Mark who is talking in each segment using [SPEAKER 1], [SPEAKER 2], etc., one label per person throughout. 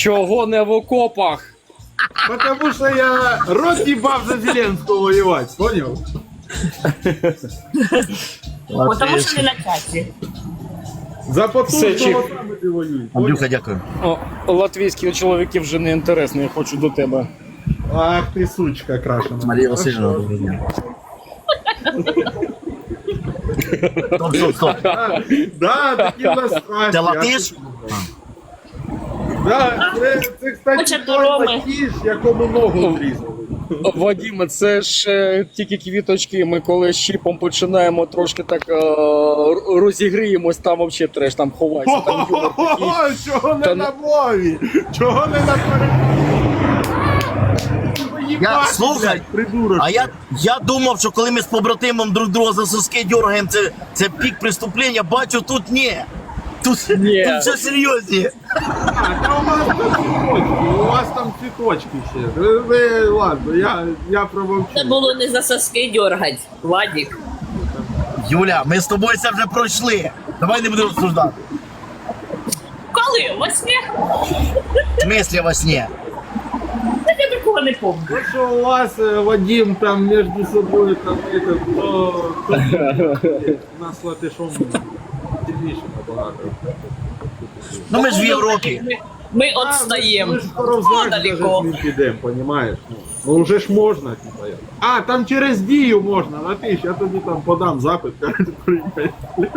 [SPEAKER 1] Чого не в окопах?
[SPEAKER 2] Потому что я рот ебав за Зеленского воевать, понял?
[SPEAKER 3] Потому що не на часі.
[SPEAKER 2] За потужного
[SPEAKER 1] Все, Чіп.
[SPEAKER 2] саме ти воюєш.
[SPEAKER 4] Андрюха, дякую.
[SPEAKER 1] О, латвійські чоловіки вже не інтересні, я хочу до тебе.
[SPEAKER 2] Ах ти сучка крашена.
[SPEAKER 4] Марія Васильівна, доброго дня. Стоп.
[SPEAKER 2] Да, такі у нас страсті.
[SPEAKER 4] Ти латиш?
[SPEAKER 2] Да, це, кстати,
[SPEAKER 3] Хоче
[SPEAKER 2] той
[SPEAKER 3] Роми.
[SPEAKER 2] латиш, якому ногу зрізали.
[SPEAKER 1] Вадиме, це ж тільки квіточки. Ми коли з Чіпом починаємо трошки так розігріємось, там взагалі треш, там ховайся, там юмор такий.
[SPEAKER 2] Ого, чого не
[SPEAKER 1] Та
[SPEAKER 2] на мові? Чого не на перекладі?
[SPEAKER 4] Слухай,
[SPEAKER 2] придурок.
[SPEAKER 4] а я думав, що коли ми з побратимом друг друга за соски дергаємо, це пік преступлення, бачу, тут ні. Тут все серйозні.
[SPEAKER 2] Та у вас там цвіточки, у вас там цвіточки ще. Ладно, я промовчу.
[SPEAKER 3] Це було не за соски дергать, Владик.
[SPEAKER 4] Юля, ми з тобою це вже пройшли. Давай не будемо обсуждати.
[SPEAKER 3] Коли? Во сні?
[SPEAKER 4] В смислі во сні?
[SPEAKER 3] Я такого не помню.
[SPEAKER 2] Ну що у вас, Вадим, там між собою, там, то у нас латишом сильніше набагато.
[SPEAKER 4] Ну ми ж в Європі.
[SPEAKER 3] Ми отстаємо.
[SPEAKER 2] Ми ж скоро в ЗАГС
[SPEAKER 3] Далеко.
[SPEAKER 2] даже з ним підемо, понімаєш? Ну вже ж можна, типа. А, там через Дію можна, Латиш, я тобі там подам запит, кажуть, приїхати.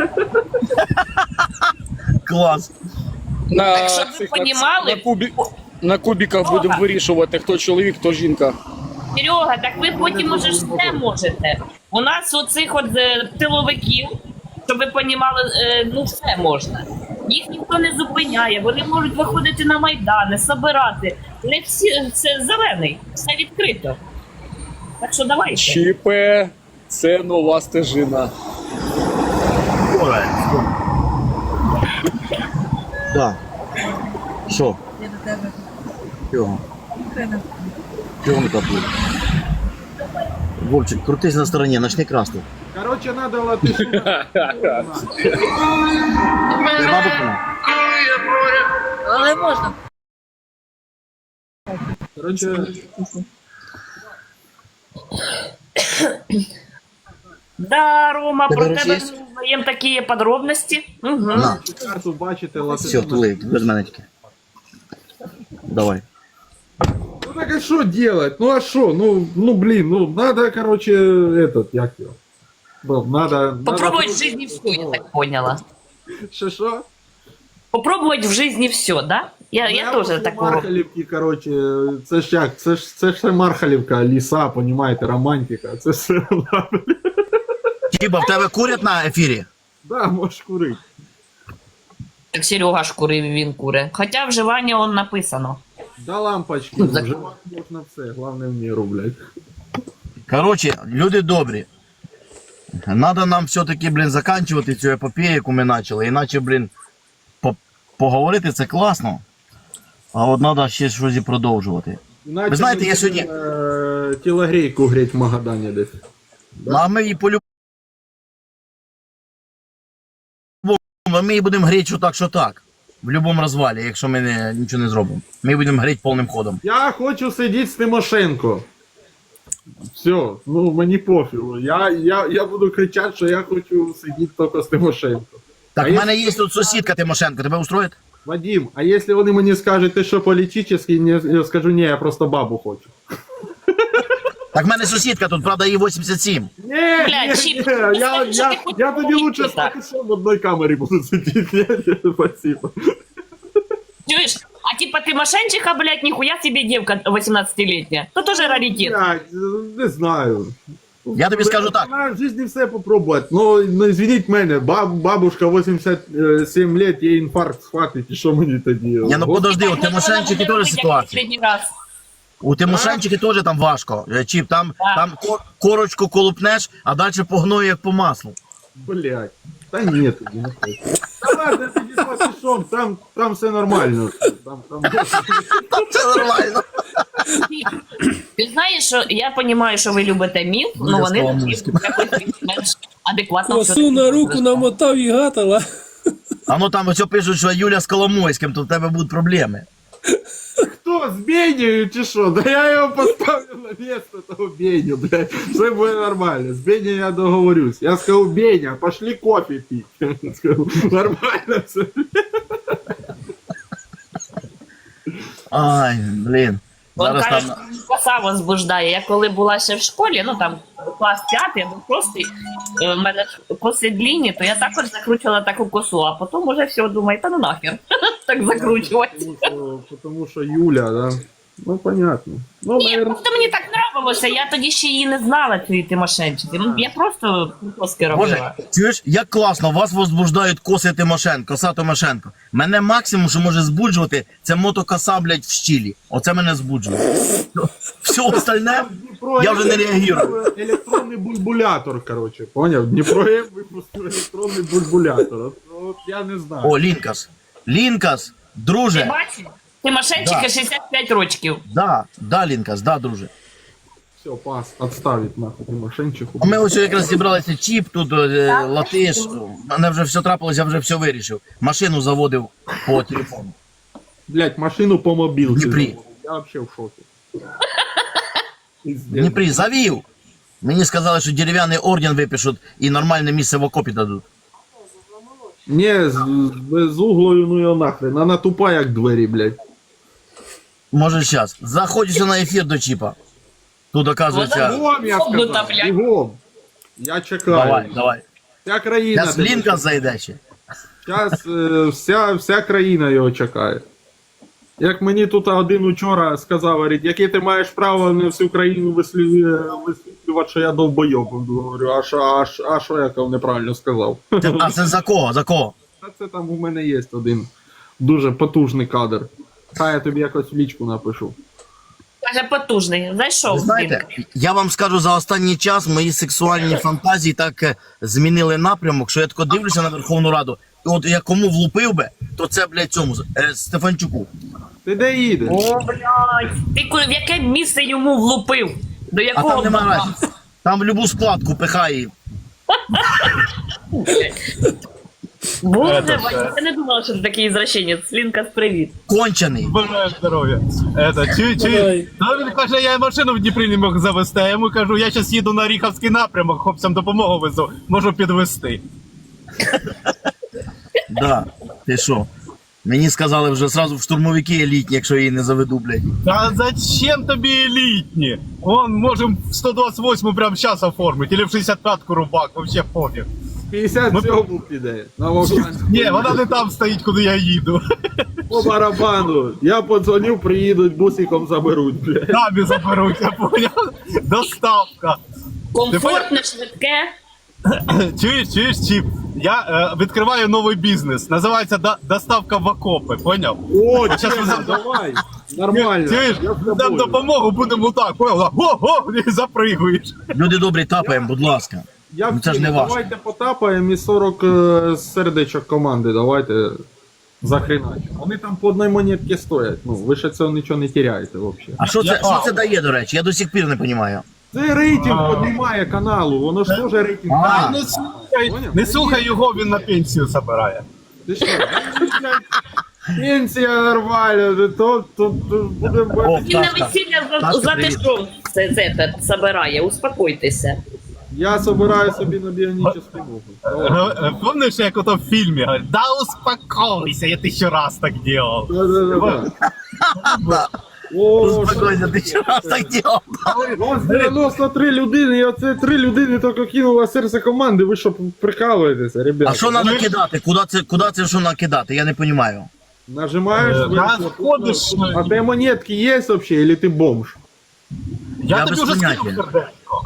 [SPEAKER 4] Клас.
[SPEAKER 1] На,
[SPEAKER 3] щоб ви
[SPEAKER 1] цих,
[SPEAKER 3] понімали-
[SPEAKER 1] на кубіках будемо вирішувати, хто чоловік, хто жінка.
[SPEAKER 3] Серега, так ви потім уже ж все можете. У нас оцих от тиловиків, щоб ви понімали, ну все можна. Їх ніхто не зупиняє, вони можуть виходити на майдани, собирати. Не всі, це зелений, все відкрито. Так що давайте.
[SPEAKER 1] Чіпе, це нова стежина.
[SPEAKER 4] Так. Що?
[SPEAKER 5] Я до тебе.
[SPEAKER 4] Чого?
[SPEAKER 5] Україна.
[SPEAKER 4] Чого не каплю? Вовчик, крутись на стороні, начни красти.
[SPEAKER 2] Короче, надо Латишу.
[SPEAKER 4] Нема буквально?
[SPEAKER 5] Але можна.
[SPEAKER 2] Короче,
[SPEAKER 3] Да, Рома,
[SPEAKER 4] Тебе
[SPEAKER 3] про
[SPEAKER 4] речі
[SPEAKER 3] тебе
[SPEAKER 4] є?
[SPEAKER 3] ми узнаємо такі подробності. Угу.
[SPEAKER 4] На,
[SPEAKER 2] карту бачите,
[SPEAKER 4] все,
[SPEAKER 2] Латишу.
[SPEAKER 4] тули, без мене тільки. Давай.
[SPEAKER 2] Ну так а что делать? Ну а что? Ну блин, ну надо, короче, як его? Ну, надо...
[SPEAKER 3] Попробовать в жизни все, я так поняла.
[SPEAKER 2] Что?
[SPEAKER 3] Попробовать в жизни все, да? Я тоже так роблю.
[SPEAKER 2] Мархалівки, короче, це ж як? Це ж все Мархалівка, ліса, понімаєте, романтика. Це все,
[SPEAKER 4] Чіба, в тебе курять на ефірі?
[SPEAKER 2] да, можеш курити.
[SPEAKER 3] Так Серега ж курив, він куре. Хоча вживання он написано.
[SPEAKER 2] Да лампочки,
[SPEAKER 3] Ну,
[SPEAKER 2] вже можна все, головне в міру, блядь.
[SPEAKER 4] Короче, люди добрі. Надо нам все-таки, блін, заканчувати цю епопею, яку ми почали. Іначе, блін, поговорити це класно. А от треба ще щось і продовжувати.
[SPEAKER 2] Іначе
[SPEAKER 4] Ви знаєте, я
[SPEAKER 2] ми
[SPEAKER 4] сьогодні-
[SPEAKER 2] будемо, тілогрейку греть в Магадані десь.
[SPEAKER 4] Ну, а ми її по-любому, ми її будемо гріти що так. В будь-якому розвалі, якщо ми нічого не зробимо. Ми її будемо гріти повним ходом.
[SPEAKER 2] Я хочу сидіти з Тимошенко. Все, ну мені пофігу. Я буду кричати, що я хочу сидіти тільки з Тимошенко.
[SPEAKER 4] Так,
[SPEAKER 2] А
[SPEAKER 4] в мене є тут сусідка Тимошенко, тебе устроїть?
[SPEAKER 2] Вадим, а если вони мені скажуть, ти що політичний, я скажу, ні, я просто бабу хочу.
[SPEAKER 4] Так в мене сусідка тут, правда, їй 87.
[SPEAKER 2] Ні,
[SPEAKER 3] Бля,
[SPEAKER 2] ні,
[SPEAKER 3] Чіп,
[SPEAKER 2] ні,
[SPEAKER 3] ну скажи, що ти хочеш
[SPEAKER 2] я тоді лучше з
[SPEAKER 3] так.
[SPEAKER 2] Пакишом в одній камері буду сидіти. Ні, спасибо.
[SPEAKER 3] Чуєш? А типа ты мошенничиха, блядь, нихуя себе девка 18-летняя. То тоже раритет.
[SPEAKER 2] Блядь, не знаю.
[SPEAKER 4] Я тобі скажу так.
[SPEAKER 2] Вона в житті все попробувати. Ну, извиніть мене, бабушка 87 лет, їй інфаркт схватить, і що мені тоді?
[SPEAKER 4] Ні, ну подожди, у Тимошенчики теж ситуація.
[SPEAKER 3] Последний раз.
[SPEAKER 4] У Тимошенчики теж там важко. Чіп, там корочку колупнеш, а далі погною як по маслу.
[SPEAKER 2] Блядь. Та ні, тоді не хочу. Та ладно, тоді з Пакишом, там все нормально. Там...
[SPEAKER 4] Це нормально.
[SPEAKER 3] Ти знаєш, що я розумію, що ви любите міф, але вони якось більш-менш адекватно
[SPEAKER 6] Косу на руку намотав і гатала.
[SPEAKER 4] А ну там ось пишуть, що Юля з Коломойським, то в тебе будуть проблеми.
[SPEAKER 2] Що, з Бенею чи що? Да я його поставлю на місце того Беню, блядь. Все буде нормально. З Бенею я договорюсь. Я скажу, Беня, пошли кофе пить. Скажу, нормально все.
[SPEAKER 4] Ай, блін.
[SPEAKER 3] Он
[SPEAKER 4] Зараз
[SPEAKER 3] каже,
[SPEAKER 4] там...
[SPEAKER 3] що коса возбуждає. Я коли була ще в школі, ну там клас 5, або просто в мене ж коси длінні, то я також закручувала таку косу, а потім уже все думаю, та ну нахер, так закручувати.
[SPEAKER 2] Потому що Юля, да? Ну, понятно. Ну,
[SPEAKER 3] Ні,
[SPEAKER 2] наверное,
[SPEAKER 3] просто мені так нравилося, я тоді ще її не знала, цієї Тимошенчики. Я просто коски робила.
[SPEAKER 4] Боже, чуєш, як класно, вас возбуждають коси Тимошенко, коса Тимошенко. Мене максимум, що може збуджувати, це мотокоса, блядь, в щілі. Оце мене збуджує. Все остальне, я вже не реагую.
[SPEAKER 2] Електронний бульбулятор, короче, поняв? Дніпро випустив електронний бульбулятор. От я не знаю.
[SPEAKER 4] О, Лінкас. Лінкас,
[SPEAKER 3] Ти
[SPEAKER 4] друже.
[SPEAKER 3] бачиш? Тимошенчика
[SPEAKER 4] Да.
[SPEAKER 3] 65 років.
[SPEAKER 4] Да, Лінкас, да, друже.
[SPEAKER 2] Все, пас, отставить нахуй Тимошенчиху.
[SPEAKER 4] А ми ось якраз зібралися чіп, тут латиш. Мене вже все трапилось, я вже все вирішив. Машину заводив по телефону.
[SPEAKER 2] Блять, машину по мобілці.
[SPEAKER 4] Дніпрі.
[SPEAKER 2] заводив. Я вообще в шокі.
[SPEAKER 4] В Дніпрі завів. Мені сказали, що дерев'яний орден випишуть і нормальне місце в окопі дадуть.
[SPEAKER 2] Не, з углою, ну його нахрен. Вона тупа, як двері, блять.
[SPEAKER 4] Може зараз. Заходиш на ефір до чіпа. Тут оказується.
[SPEAKER 2] Бігом, я
[SPEAKER 3] Обнута,
[SPEAKER 2] сказав,
[SPEAKER 3] блядь.
[SPEAKER 2] бігом. Я чекаю.
[SPEAKER 4] Давай.
[SPEAKER 2] Вся країна.
[SPEAKER 4] Зараз Лінкас зайде ще.
[SPEAKER 2] Зараз вся країна його чекає. Як мені тут один учора сказав, говорить, яке ти маєш право на всю країну висвітлювати, що я довбойоб. Говорю, а що я неправильно сказав?
[SPEAKER 4] А це за кого? За кого?
[SPEAKER 2] Та це там у мене є один дуже потужний кадр. Хай я тобі якось в лічку напишу.
[SPEAKER 3] Каже, потужний. Зайшов.
[SPEAKER 4] Ви знаєте, я вам скажу, за останній час мої сексуальні фантазії так змінили напрямок, що я тако дивлюся на Верховну Раду, і от я кому влупив би, то це, блядь, цьому, Стефанчуку.
[SPEAKER 2] Ти де їдеш?
[SPEAKER 3] О, блядь. Ти в яке місце йому влупив? До
[SPEAKER 4] А
[SPEAKER 3] якого
[SPEAKER 4] там нема
[SPEAKER 3] баба?
[SPEAKER 4] разниці. Там в любу складку пихає.
[SPEAKER 3] Боже, Ваня, я не думала, що ти такий извращенець. Лінкас, привіт.
[SPEAKER 4] Кончений.
[SPEAKER 7] Бажаю здоров'я.
[SPEAKER 6] Давай.
[SPEAKER 7] Ну, він каже, я машину в Дніпрі не мог завести. Я йому кажу, я зараз їду на Ріховський напрямок, хлопцям допомогу везу, можу підвести.
[SPEAKER 4] Да, ти що? Мені сказали вже сразу в штурмовики елітні, якщо я її не заведу, блядь.
[SPEAKER 7] Та зачем тобі елітні? Вон, можемо в 128 прямо зараз оформити, или в 65-ку рубак, вообще пофіг.
[SPEAKER 2] 57 піде. На Вовчанську.
[SPEAKER 7] Ні, вона не там стоїть, куди я їду.
[SPEAKER 2] По барабану. Я подзвонив, приїдуть, бусиком заберуть, блядь.
[SPEAKER 7] Самі заберуть, я поняв? Доставка.
[SPEAKER 3] Комфортне, швидке.
[SPEAKER 7] Чуєш, Чіп? Я відкриваю новий бізнес. Називається доставка в окопи, поняв?
[SPEAKER 2] О,
[SPEAKER 7] щас
[SPEAKER 2] Чесно,
[SPEAKER 7] ви-
[SPEAKER 2] давай. Нормально.
[SPEAKER 7] Чуєш?
[SPEAKER 2] Я з
[SPEAKER 7] Дам
[SPEAKER 2] тобою.
[SPEAKER 7] допомогу, будемо так, поняв? Ого, і запригуєш.
[SPEAKER 4] Люди добрі, тапаємо, будь ласка.
[SPEAKER 2] Я
[SPEAKER 4] Ну, це ж не важко.
[SPEAKER 2] Давайте потапаємо і 40 сердечок команди, давайте захреначимо. Вони там по одній монетці стоять. Ну, ви ще цього нічого не теряєте взагалі.
[SPEAKER 4] А що це дає, до речі? Я до сих пір не розумію.
[SPEAKER 2] Це рейтинг піднімає каналу, воно ж теж рейтинг.
[SPEAKER 4] А.
[SPEAKER 7] Не слухай його, він на пенсію забирає.
[SPEAKER 2] Ти що? Пенсія нормальна, то будемо...
[SPEAKER 4] О,
[SPEAKER 3] Він на
[SPEAKER 4] Ташка.
[SPEAKER 3] весілля
[SPEAKER 4] Ташка,
[SPEAKER 3] за
[SPEAKER 4] привіт.
[SPEAKER 3] те, що це забирає. Успокойтеся.
[SPEAKER 2] Я собираю собі на біонічну ногу. Давай.
[SPEAKER 7] Помниш, як ото в фільмі говорить, да успокойся, я 1000 раз так делал.
[SPEAKER 2] Да-да-да. О,
[SPEAKER 4] Успокойся, ти що раз так ділав?
[SPEAKER 2] ось 93 людини, і оце 3 людини тільки кинула серце команди, ви що прикалуєтеся, ребята?
[SPEAKER 4] А що треба кидати? Куди це що накидати? Я не розумію.
[SPEAKER 2] Нажимаєш,
[SPEAKER 7] Ходиш,
[SPEAKER 2] а те монетки є вообще, или ти бомж?
[SPEAKER 4] Я
[SPEAKER 7] тобі
[SPEAKER 4] без
[SPEAKER 7] вже
[SPEAKER 4] поняття.
[SPEAKER 7] скинув сердечко.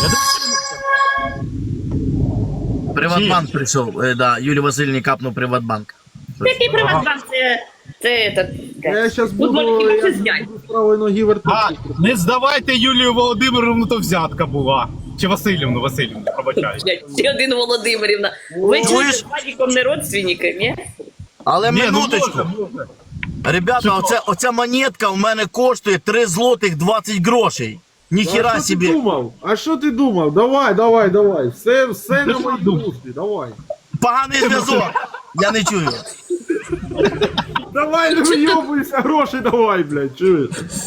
[SPEAKER 4] Приватбанк прийшов, да, Юлії Васильівні капнув Приватбанк.
[SPEAKER 3] Який приватбанк? Це.
[SPEAKER 2] Я зараз
[SPEAKER 3] Тут
[SPEAKER 2] буду,
[SPEAKER 3] можна
[SPEAKER 2] я
[SPEAKER 3] хіба зняти.
[SPEAKER 2] буду з правої ноги
[SPEAKER 7] А,
[SPEAKER 2] вертати.
[SPEAKER 7] не здавайте Юлію Володимировну, то взятка була. Чи Васильівну, пробачаю.
[SPEAKER 3] Ще один Володимирівна. Ви
[SPEAKER 4] Чуєш?
[SPEAKER 3] чуєте, з Вадіком не родственники, ні?
[SPEAKER 4] Але
[SPEAKER 7] Ні, ну
[SPEAKER 4] минуточку.
[SPEAKER 7] може.
[SPEAKER 4] Ребята, оця монетка в мене коштує 3 злотих 20 грошей. Ніхіра
[SPEAKER 2] А що ти
[SPEAKER 4] собі.
[SPEAKER 2] думав? А що ти думав? Давай. Все на моїй душі, давай.
[SPEAKER 4] Поганий зв'язок. Я не чую.
[SPEAKER 2] Давай, не вийобуйся, гроші давай, блядь, чуєш?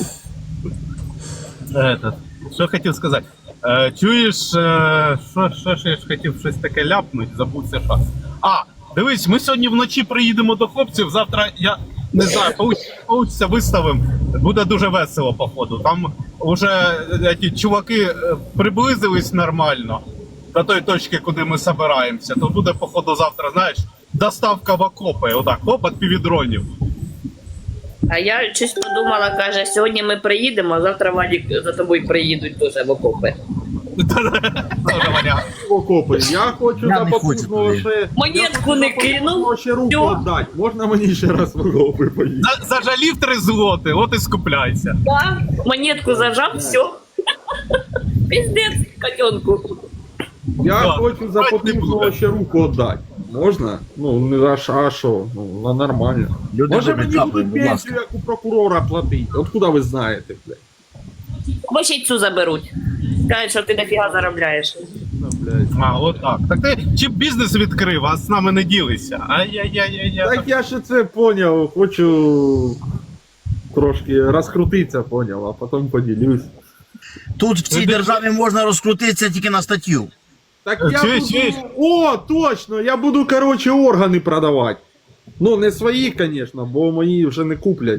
[SPEAKER 7] Що хотів сказати? Чуєш, що ж я хотів щось таке ляпнути, забувся що. Дивись, ми сьогодні вночі приїдемо до хлопців, завтра я не знаю, получиться виставимо. Буде дуже весело, походу. Там вже ті чуваки приблизились нормально до той точки, куди ми збираємося. То буде, походу, завтра, знаєш, доставка в окопи. Отак, оп, від півдронів.
[SPEAKER 3] А я щось подумала, каже, сьогодні ми приїдемо, а завтра Вадік за тобою приїдуть теж в окопи.
[SPEAKER 7] Дуже варіант.
[SPEAKER 2] Окопи. Я хочу
[SPEAKER 4] Я
[SPEAKER 2] за
[SPEAKER 4] не хочу
[SPEAKER 2] попутного
[SPEAKER 4] туди.
[SPEAKER 2] ще...
[SPEAKER 3] Монетку не кинув.
[SPEAKER 2] Ще руку
[SPEAKER 3] Всьо.
[SPEAKER 2] віддати. Можна мені ще раз в окопи поїхати?
[SPEAKER 7] Зажалів 3 злоти, от і скупляйся.
[SPEAKER 3] Да, монетку зажав, все. Пиздец, котенку.
[SPEAKER 2] Я
[SPEAKER 7] Да.
[SPEAKER 2] хочу за
[SPEAKER 7] Давайте не
[SPEAKER 2] попутного
[SPEAKER 7] буде.
[SPEAKER 2] ще руку віддати. Можна? Ну, не а що? Ну, нормально.
[SPEAKER 4] Люди
[SPEAKER 2] Може
[SPEAKER 4] добрі,
[SPEAKER 2] мені
[SPEAKER 4] капаємо,
[SPEAKER 2] будуть
[SPEAKER 4] будь ласка.
[SPEAKER 2] пенсію, як у прокурора платити? Откуда ви знаєте, блядь?
[SPEAKER 3] Або ще й цю заберуть. Кажуть, що ти дофіга заробляєш.
[SPEAKER 2] Ну, блядь.
[SPEAKER 7] От так. Так ти чи бізнес відкрив, а з нами не ділися? Ай-яй-яй-яй.
[SPEAKER 2] Так я ще це поняв, хочу трошки розкрутитися, поняв, а потім поділюсь.
[SPEAKER 4] Тут в цій державі можна розкрутитися тільки на статтю.
[SPEAKER 2] Так я
[SPEAKER 7] Чуєш,
[SPEAKER 2] буду...
[SPEAKER 7] чуєш?
[SPEAKER 2] О, точно! Я буду, короче, органи продавати. Ну, не свої, звісно, бо мої вже не куплять.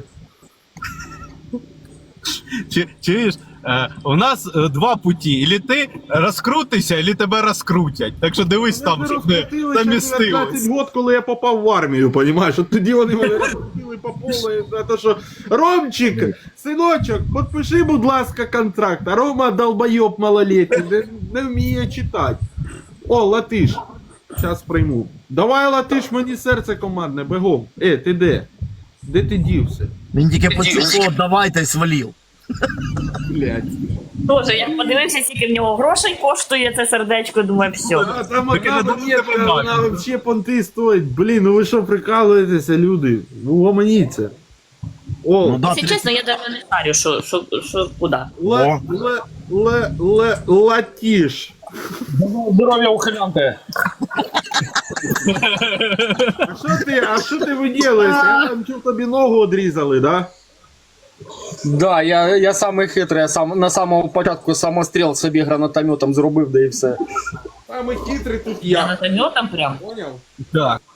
[SPEAKER 7] Чуєш, у нас 2 путі. Ілі ти розкрутишся, ілі тебе розкрутять. Так що дивись там, щоб не замістилось.
[SPEAKER 2] 15 год, коли я попав в армію, понімаєш? От тоді вони мене розкрутили по повній, за те, що Ромчик, синочок, підпиши, будь ласка, контракт. А Рома долбойоб малолетний, не вміє читати. О, латиш. Зараз прийму. Давай, латиш, мені серце командне, бегом. Ти де? Де ти дівся?
[SPEAKER 4] Він тільки почув, що давайте й свалів.
[SPEAKER 2] Блядь.
[SPEAKER 3] Тоже, як подивився, скільки в нього грошей коштує це сердечко, думаю, все.
[SPEAKER 2] А там
[SPEAKER 7] Так
[SPEAKER 2] одна
[SPEAKER 7] это
[SPEAKER 2] монетка,
[SPEAKER 7] дуже
[SPEAKER 2] вона
[SPEAKER 7] нормально.
[SPEAKER 2] вообще понти стоїть. Блін, ну ви що прикалуєтеся, люди? Ну гомоніться. О,
[SPEAKER 4] Ну да,
[SPEAKER 3] Якщо чесно, я навіть не шарю, що куди.
[SPEAKER 2] латиш.
[SPEAKER 1] Здоров'я ухилянти.
[SPEAKER 2] А що ти виділиш? Я там чув, тобі ногу одрізали, да?
[SPEAKER 1] Да, я самий хитрий, я сам на самому початку самостріл собі гранатометом зробив, да і все.
[SPEAKER 2] Самий хитрий тут
[SPEAKER 3] Я
[SPEAKER 2] я.
[SPEAKER 3] гранатометом прям.
[SPEAKER 2] Поняв?
[SPEAKER 7] Так.